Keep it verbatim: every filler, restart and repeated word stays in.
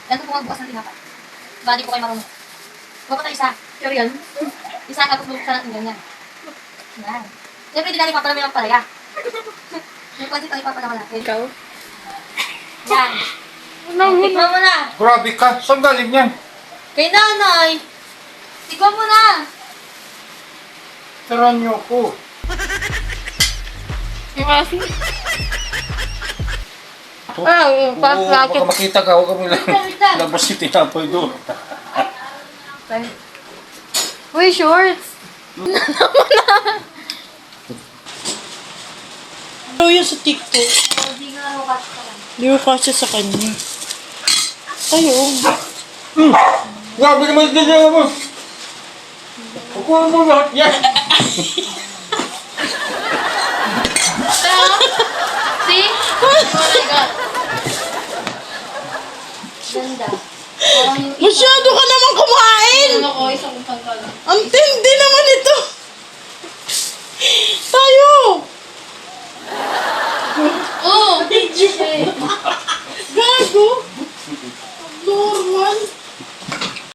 Ganito po magbukas ng tinapay. Bali po kayo marunong. Huwag pa tayo isa. Pero yan. Isa tapos bubuksan natin ganyan. Yan. Siyempre, di natin papalami ng palaya. May pansit ang ipapalama natin. Ikaw? Yan. Tikman mo na. Grabe ka. Saan galing yan? Kay nanay. Tikman mo na. Taran niyo ko. Yung kasi. Ah, yung Oo, pa-racket. baka makita ka. Huwag kami lang. Wait lang. Labas si tinapay doon. Uy, shorts. Ano yun sa TikTok? Hindi nga ako kasi ka lang. Di ko kasi sa kanya. Ayun. Hmm. Grabe naman ganyan mo. Kukuha mo lahat yan. See? Oh my God. Ganda. Parang yung Masyado ka naman kumain! ano ko, isang pangkal. Ang tindi naman ito! Tayo! Oh!